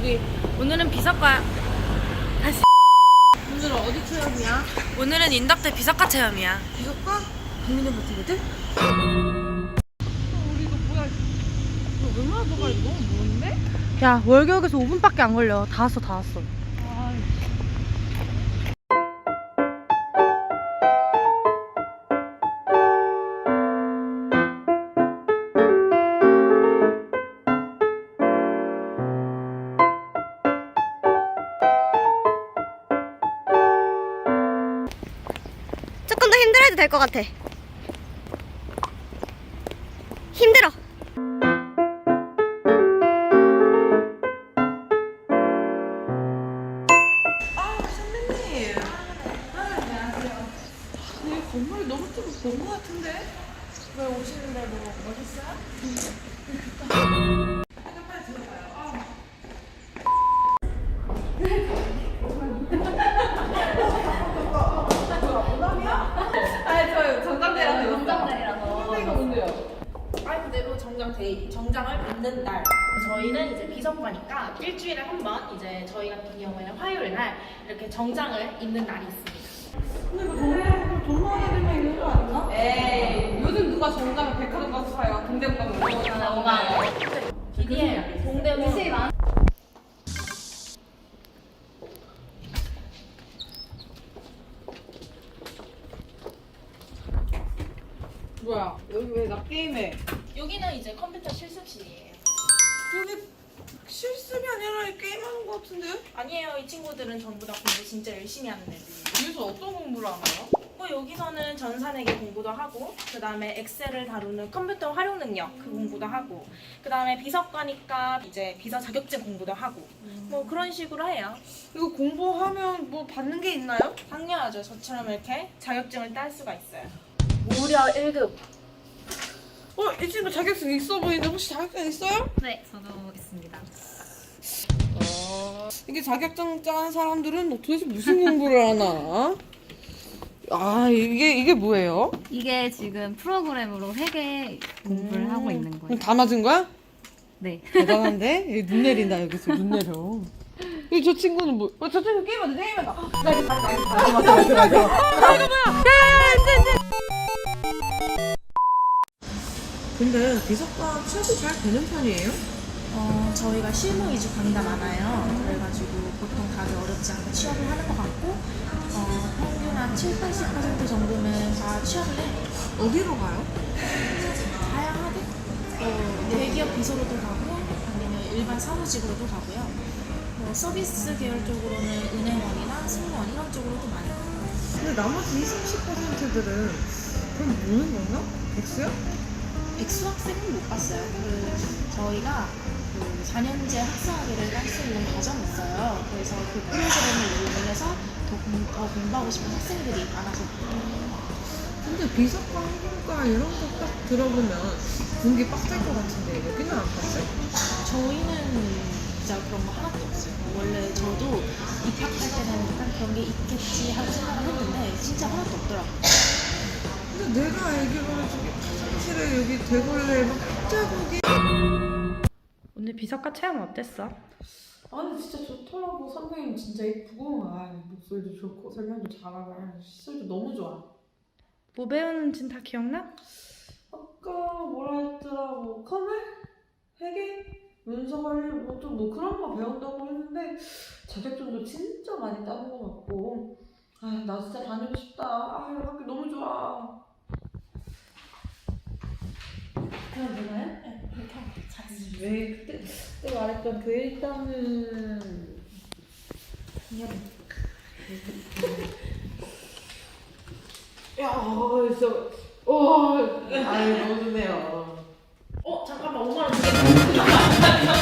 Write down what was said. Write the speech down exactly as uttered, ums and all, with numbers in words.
여기 오늘은 비석과 다시 오늘은 어디 체험이야? 오늘은 인덕대 비석과 체험이야. 비석과? 국민의 버티거든? 우리 이거 뭐야? 이거 얼마나 더 가야 돼? 너무 먼데? 야 월격에서 오 분밖에 안 걸려. 다 왔어 다 왔어. 조금 더 힘들어도 될 것 같아. 힘들어. 아 선배님. 아 안녕하세요. 네 건물이 너무 좀 본것 같은데? 왜 오시는데 뭐 멋있어요? 일단 빨리 들어가요. 아. 아니 저 정장대라서 정장대라서 선배가 뭔데요? 아니 그대로 정장 데이, 정장을 입는 날. 저희는 이제 비석과니까 일주일에 한 번 이제 저희 같은 경우에는 화요일 날 이렇게 정장을 입는 날이 있습니다. 근데 이거 정장 존나 애들만 입는 거 아닌가? 에이 요즘 누가 정장을 백화점 가서 사요? 동대문 가서 아, 오만 원. 비디엠 동대문 뭐야 여기 왜 나 게임해? 여기는 이제 컴퓨터 실습실이에요. 여기 실습이 아니라 게임하는 거 같은데? 아니에요. 이 친구들은 전부 다 공부 진짜 열심히 하는 애들이에요. 여기서 어떤 공부를 하나요? 뭐 여기서는 전산회계 공부도 하고, 그 다음에 엑셀을 다루는 컴퓨터 활용 능력 그 공부도 하고, 그 다음에 비서과니까 이제 비서 자격증 공부도 하고, 뭐 그런 식으로 해요. 이거 공부하면 뭐 받는 게 있나요? 당연하죠. 저처럼 이렇게 자격증을 딸 수가 있어요. 무려 일 급. 어? 이 친구 자격증 있어 보이는데 혹시 자격증 있어요? 네, 저도 있습니다. 아... 이게 자격증 짠 사람들은 도대체 무슨 공부를 하나? 아 이게 이게 뭐예요? 이게 지금 프로그램으로 회계 공부를 음. 하고 있는 그럼 거예요. 다 맞은 거야? 네. 대단한데? 여기 눈 내린다 여기서 눈 내려. 여기 저 친구는 뭐? 어, 저 친구 게임하자 게임하자. 나 이거 맞아 맞아 맞아 맞아 맞아. 아 이거 뭐야? 야야야 안돼 안돼. 근데 비석과 취업이 잘 되는 편이에요? 어, 저희가 실무 위주 강의가 많아요. 그래가지고 보통 다들 어렵지 않게 취업을 하는 것 같고, 어, 평균 한 칠, 팔십 퍼센트 정도는 다 취업을 해요. 어디로 가요? 다양하게 뭐 대기업 비서로도 가고, 아니면 일반 사무직으로도 가고요. 뭐 서비스 계열 쪽으로는 은행원이나 승무원 이런 쪽으로도 많이 가요. 근데 나머지 이십, 삼십 퍼센트들은 그럼 뭐는 건가? 백수야? 백수 학생은 못 봤어요. 그 저희가 그 사 년제 학사학위를 할 수 있는 과정이 있어요. 그래서 그 프로그램을 이용해서 더, 공, 더 공부하고 싶은 학생들이 많아서. 근데 비석과 항공과 이런 거 딱 들어보면 공기 빡셀 것 같은데 여기는 안 빡세? 저희는 진짜 그런 거 하나도 없어요. 원래 저도 입학할 때는 약간 그런 게 있겠지 하고 생각을 했는데 진짜 하나도 없더라고요. 근데 내가 알기로는 저기 사무실에 여기 대걸레 막 자국이. 오늘 비석과 체험 어땠어? 아니 진짜 좋더라고. 선생님 진짜 이쁘고 아 목소리도 좋고 설명도 잘하고 아, 시설도 너무 좋아. 뭐 배우는진 다 기억나? 아까 뭐라 했더라 뭐 커널? 회계? 문서관리 뭐 좀 뭐 그런 거 배운다고 했는데 자격증도 진짜 많이 따는 것 같고 아 나 진짜 다니고 싶다. 아 학교 너무 좋아. 그럼 되나요? 네, 이렇게 하면 잘했어요. 왜 그때 그때 말했던 그 일단은 야 진짜 와 아이 너무 좋네요. 어 잠깐만 오만 원 주겠다.